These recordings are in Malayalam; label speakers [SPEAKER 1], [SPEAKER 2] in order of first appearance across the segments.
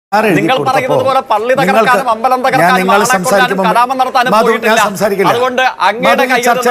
[SPEAKER 1] നിങ്ങൾ പറയുന്നത് പോലെ പള്ളി തകർക്കാനും അമ്പലം തകർക്കാനും കലാപം നടത്താനും പോയിട്ടില്ല. അതുകൊണ്ട് അങ്ങയുടെ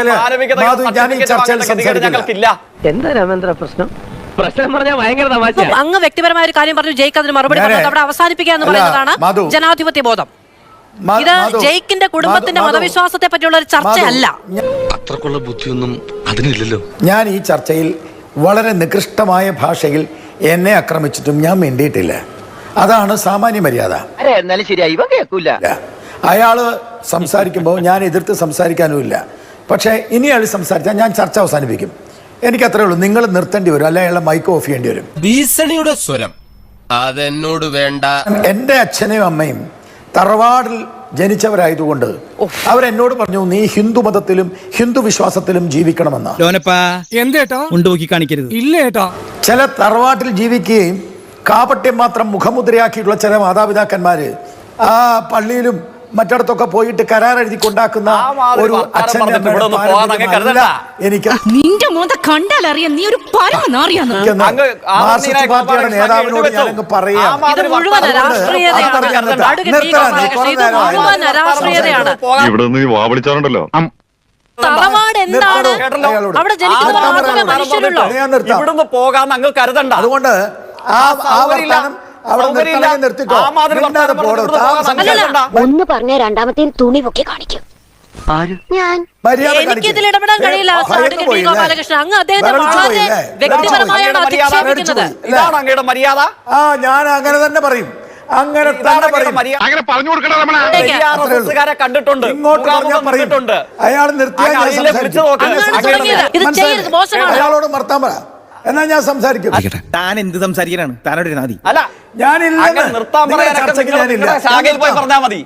[SPEAKER 1] ഞങ്ങൾക്കില്ല.
[SPEAKER 2] എന്താ രാമേന്ദ്ര പ്രശ്നം? പ്രശ്നം പറഞ്ഞാൽ ഭയങ്കര തമാശ.
[SPEAKER 3] അങ്ങ് വ്യക്തിപരമായ ഒരു കാര്യം പറഞ്ഞു, ജയിക്ക് അതിന് മറുപടി പറഞ്ഞത് അവിടെ അവസാനിപ്പിക്കുക എന്ന് പറയുന്നതാണ് ജനാധിപത്യ ബോധം. ഇത് ജയിക്കിന്റെ കുടുംബത്തിന്റെ മതവിശ്വാസത്തെ പറ്റിയുള്ള ഒരു ചർച്ചയല്ല.
[SPEAKER 4] അത്രക്കുള്ള ബുദ്ധിയൊന്നും അതിനില്ലല്ലോ.
[SPEAKER 5] ഞാൻ ഈ ചർച്ചയിൽ വളരെ നികൃഷ്ടമായ ഭാഷയിൽ എന്നെ ആക്രമിച്ചിട്ടും ഞാൻ മിണ്ടിയിട്ടില്ല. അതാണ് സാമാന്യ മര്യാദ.
[SPEAKER 2] എന്നാലും ശരിയായി കേൾക്കൂല.
[SPEAKER 5] അയാള് സംസാരിക്കുമ്പോൾ ഞാൻ എതിർത്ത് സംസാരിക്കാനുമില്ല. പക്ഷേ ഇനി അയാൾ സംസാരിച്ചാൽ ഞാൻ ചർച്ച അവസാനിപ്പിക്കും. എനിക്കത്രേ ഉള്ളൂ. നിങ്ങൾ നിർത്തേണ്ടി വരും, അല്ലെ അയാളെ മൈക്ക് ഓഫ് ചെയ്യേണ്ടി വരും.
[SPEAKER 4] ഭീഷണിയുടെ സ്വരം അതെന്നോട് വേണ്ട.
[SPEAKER 5] എൻ്റെ അച്ഛനെയും അമ്മയും തറവാടിൽ ജനിച്ചവരായതുകൊണ്ട് അവരെന്നോട് പറഞ്ഞു, നീ ഹിന്ദു മതത്തിലും ഹിന്ദു വിശ്വാസത്തിലും ജീവിക്കണമെന്ന്. ചില തറവാട്ടിൽ ജീവിക്കുകയും കാപട്യം മാത്രം മുഖമുദ്രയാക്കിയിട്ടുള്ള ചില മാതാപിതാക്കന്മാര് ആ പള്ളിയിലും മറ്റിടത്തൊക്കെ പോയിട്ട് കരാർ എഴുതി കൊണ്ടാക്കുന്ന ഒരു അച്ഛൻ്റെ എനിക്ക് മാർക്സിസ്റ്റ് പാർട്ടിയുടെ നേതാവിനോട് ഞാനങ്ങ് പറയാം,
[SPEAKER 6] ഇവിടെ നിന്ന് വാവളിച്ചാറുണ്ടല്ലോ.
[SPEAKER 1] ഇവിടുന്ന് പോകാൻ അങ്ങ് കരുതണ്ട.
[SPEAKER 5] അതുകൊണ്ട്
[SPEAKER 7] ഒന്ന് പറഞ്ഞ രണ്ടാമത്തെ തുണി പൊക്കി കാണിക്കും.
[SPEAKER 3] എനിക്കിതിൽ ഇടപെടാൻ കഴിയില്ല. അങ്ങ് അദ്ദേഹത്തെ വളരെ വ്യക്തിപരമായാണ് അധിക്ഷേപിക്കുന്നത്.
[SPEAKER 1] ഇതാണ് അങ്ങയുടെ മര്യാദ.
[SPEAKER 5] ഞാൻ അങ്ങനെ തന്നെ പറയും, അങ്ങനെ
[SPEAKER 6] പറഞ്ഞു കൊടുക്കണം.
[SPEAKER 1] കണ്ടിട്ടുണ്ട്,
[SPEAKER 5] ഇങ്ങോട്ട് അയാൾ അയാളോട് നിർത്താൻ പറ, എന്നാ ഞാൻ സംസാരിക്കും.
[SPEAKER 8] താൻ എന്ത് സംസാരിക്കാനാണ്? താനോട് നാദി
[SPEAKER 1] അല്ല, ഞാനില്ല.
[SPEAKER 5] ചർച്ചയ്ക്ക് ഞാനില്ല.
[SPEAKER 1] ശാഖയിൽ പോയി പറഞ്ഞാൽ മതി.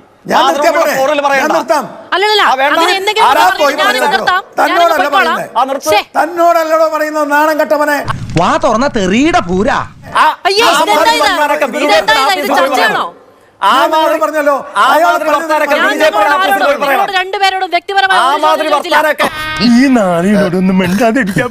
[SPEAKER 5] തന്നോടല്ലോ പറയുന്ന നാണം കെട്ടവനെ.
[SPEAKER 8] വാ തുറന്ന തെറിയുടെ പൂരാ.
[SPEAKER 5] പറഞ്ഞല്ലോ
[SPEAKER 3] രണ്ടുപേരോടും വ്യക്തിപരമായ
[SPEAKER 8] ഈ നാളിനോടൊന്നും മിണ്ടാതിരിക്കാൻ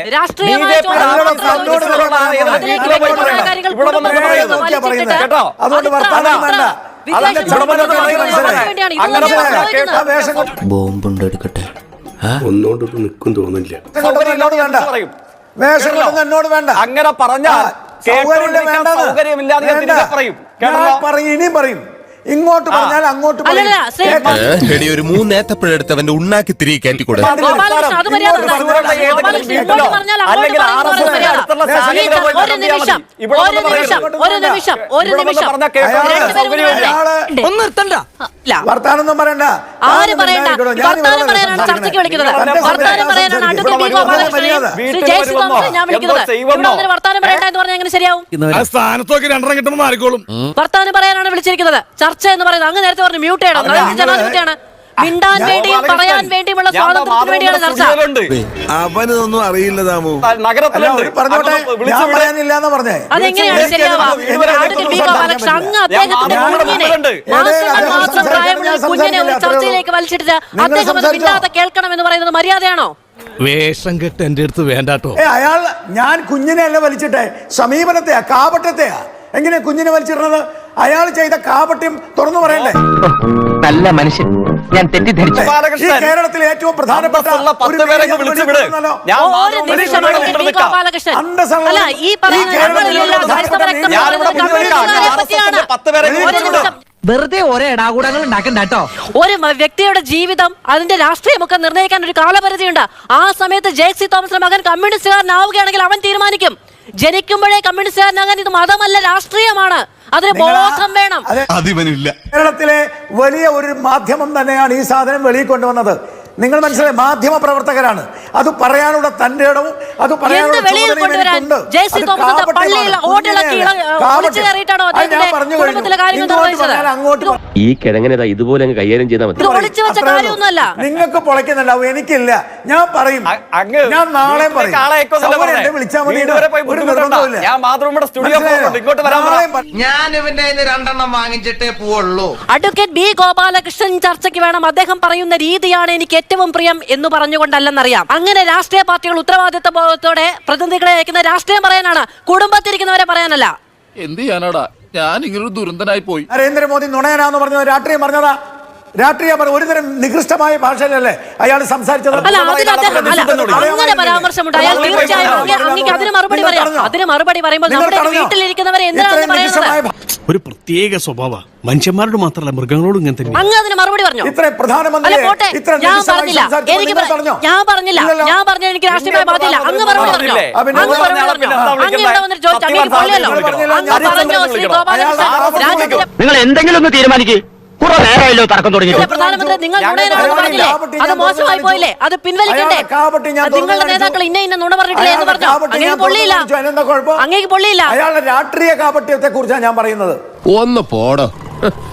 [SPEAKER 4] ബോംബുണ്ടെടുക്കട്ടെ,
[SPEAKER 6] ഒന്നോട് നിൽക്കും തോന്നില്ല.
[SPEAKER 5] വേഷം കൊണ്ടൊന്നും എന്നോട് വേണ്ട.
[SPEAKER 1] അങ്ങനെ പറഞ്ഞാൽ
[SPEAKER 5] ഇനിയും പറയും. ഇങ്ങോട്ട് പറഞ്ഞാൽ അങ്ങോട്ട്
[SPEAKER 4] ഒരു മൂന്നേത്തപ്പഴെടുത്ത് അവന്റെ ഉണ്ണാക്കി തിരികെ കയറ്റിക്കൂടെ.
[SPEAKER 5] വർത്താനൊന്നും പറയണ്ട.
[SPEAKER 3] ആര് പറയണ്ട? വർത്താനം പറയാനാണ് ചർച്ചയ്ക്ക് വിളിക്കുന്നത്. വർത്താനം പറയാനാണ് ഞാൻ വിളിക്കുന്നത്. വർത്താനം പറയണ്ട എന്ന് പറഞ്ഞാൽ എങ്ങനെ ശരിയാവും? വർത്താനം പറയാനാണ് വിളിച്ചിരിക്കുന്നത്. ചർച്ച എന്ന് പറയുന്നത് അങ്ങ് നേരത്തെ പറഞ്ഞു മ്യൂട്ട് ചെയ്യണം. ജനാധിപത്യമാണ്. മിണ്ടാൻ വേണ്ടിയും പറയാൻ വേണ്ടിയുമുള്ള സ്വാതന്ത്ര്യത്തിന് വേണ്ടിയാണ് ചർച്ച.
[SPEAKER 4] അവനൊന്നും അറിയില്ല താമോ.
[SPEAKER 3] അതെങ്ങനെയാണ് ശരിയാവുക? അങ്ങ് അദ്ദേഹത്തിന്റെ മാത്രം പ്രായമുള്ള കുഞ്ഞിനെ ഒരു ചർച്ചയിലേക്ക് വലിച്ചിട്ട് അദ്ദേഹം അത് മിണ്ടാതെ കേൾക്കണം എന്ന് പറയുന്നത് മര്യാദയാണോ?
[SPEAKER 4] വേഷം കെട്ട് എന്റെ അടുത്ത് വേണ്ടാട്ടോ.
[SPEAKER 5] അയാൾ ഞാൻ കുഞ്ഞിനെ അല്ല വലിച്ചിട്ടെ, സമീപനത്തെയാ, കാപട്യത്തെയാ. എങ്ങനെ കുഞ്ഞിനെ വലിച്ചിടുന്നത്? അയാൾ ചെയ്ത കാപട്യം തുറന്നു പറയണ്ടേ?
[SPEAKER 2] നല്ല മനുഷ്യൻ, ഞാൻ തെറ്റിദ്ധരിച്ചു.
[SPEAKER 5] കേരളത്തിലെ ഏറ്റവും പ്രധാനപ്പെട്ട
[SPEAKER 2] വെറുതെ ഓരോ ഇടാകൂടങ്ങൾ ഉണ്ടാക്കണ്ടോ.
[SPEAKER 3] ഒരു വ്യക്തിയുടെ ജീവിതം, അതിന്റെ രാഷ്ട്രീയമൊക്കെ നിർണ്ണയിക്കാൻ ഒരു കാലപരിധിയുണ്ട്. ആ സമയത്ത് ജെ.സി. തോമസിന്റെ മകൻ കമ്മ്യൂണിസ്റ്റുകാരനാവുകയാണെങ്കിൽ അവൻ തീരുമാനിക്കും. ജനിക്കുമ്പോഴേ കമ്മ്യൂണിസ്റ്റുകാരനാകാൻ ഇത് മതമല്ല, രാഷ്ട്രീയമാണ്. അതിന് ബോധം വേണം.
[SPEAKER 5] കേരളത്തിലെ വലിയ ഒരു മാധ്യമം തന്നെയാണ് ഈ സാധനം വെളിയിൽ കൊണ്ടുവന്നത്. നിങ്ങൾ മനസ്സിലായി, മാധ്യമ പ്രവർത്തകരാണ്. അത് പറയാനുള്ള തന്റെ ഇടവും അത് പറയാനുള്ള
[SPEAKER 9] ഈ കിഴങ്ങനെ ഇതുപോലെ കൈകാര്യം ചെയ്താൽ മതി.
[SPEAKER 5] നിങ്ങൾക്ക് പൊളയ്ക്കുന്നുണ്ടാവും, എനിക്കില്ല. ഞാൻ പറയും, ഞാൻ നാളെ വിളിച്ചാൽ മതി.
[SPEAKER 8] ഞാൻ ഇവന്റെ രണ്ടെണ്ണം വാങ്ങിച്ചിട്ടേ പോവുള്ളൂ.
[SPEAKER 3] അഡ്വക്കേറ്റ് ബി ഗോപാലകൃഷ്ണൻ ചർച്ചയ്ക്ക് വേണം. അദ്ദേഹം പറയുന്ന രീതിയാണ് എനിക്ക് ഏറ്റവും പ്രിയം എന്ന് പറഞ്ഞുകൊണ്ടല്ലെന്നറിയാം. അങ്ങനെ രാഷ്ട്രീയ പാർട്ടികൾ ഉത്തരവാദിത്വ ബോധത്തോടെ പ്രതിനിധികളെ അയക്കുന്ന രാഷ്ട്രീയം പറയാനാണ്, കുടുംബത്തിരിക്കുന്നവരെ പറയാനല്ല.
[SPEAKER 4] എന്ത് ചെയ്യാനാടാ? ഞാൻ ഇങ്ങനൊരു ദുരന്തനായി പോയി.
[SPEAKER 5] നരേന്ദ്രമോദി നുണയനാന്ന് പറഞ്ഞത് രാഷ്ട്രീയം പറഞ്ഞതാ. രാഷ്ട്രീയം ഒരുതരം നികൃഷ്ടമായ ഭാഷയിലല്ലേ അയാൾ സംസാരിച്ചത്?
[SPEAKER 3] അല്ല, അങ്ങനെ പരാമർശമുണ്ട്. അയാൾ തീർച്ചയായും അങ്ങേക്ക് അതിന് മറുപടി പറയാം. അതിന് മറുപടി പറയുമ്പോൾ നമ്മുടെ വീട്ടിലിരിക്കുന്നവരെ എന്തിനാണെന്ന് പറയുന്നത്?
[SPEAKER 8] ഒരു പ്രത്യേക സ്വഭാവ മനുഷ്യന്മാരോട് മാത്രമല്ല മൃഗങ്ങളോടും ഇങ്ങനെ തന്നെ.
[SPEAKER 3] അങ്ങ് അതിന് മറുപടി പറഞ്ഞു.
[SPEAKER 5] ഇത്ര പ്രധാനമന്ത്രി
[SPEAKER 3] ഞാൻ പറഞ്ഞില്ല, ഞാൻ പറഞ്ഞു എനിക്ക് രാഷ്ട്രീയമായ ബാധ്യത. അങ്ങ് മറുപടി പറഞ്ഞു. അങ്ങ് ഇവിടെ വന്നിട്ട് ചോദിച്ചു, അങ്ങേക്ക് പൊള്ളിയല്ലോ. അങ്ങ് പറഞ്ഞോ ശ്രീ ഗോപാലകൃഷ്ണൻ, രാജ്യത്തിലെ
[SPEAKER 2] നിങ്ങൾ എന്തെങ്കിലും ഒന്ന് തീരുമാനിക്കേ. കുറെ നേരമല്ലോ തർക്കം തുടങ്ങി.
[SPEAKER 3] പ്രധാനമന്ത്രി നിങ്ങൾ നുണയനാണെന്ന് പറഞ്ഞില്ലേ? അത് മോശമായി പോയില്ലേ? അത് പിൻവലിക്കണ്ടേ? നിങ്ങളുടെ നേതാക്കൾ ഇന്ന നുണ പറഞ്ഞിട്ടില്ലേ എന്ന് പറഞ്ഞു. അങ്ങേക്ക് പൊള്ളിയില്ല, അങ്ങേക്ക് പൊള്ളിയില്ല.
[SPEAKER 5] അയാളുടെ രാഷ്ട്രീയ കാപട്യത്തെ കുറിച്ചാണ് ഞാൻ പറയുന്നത്.
[SPEAKER 4] ഒന്ന് പോടോ.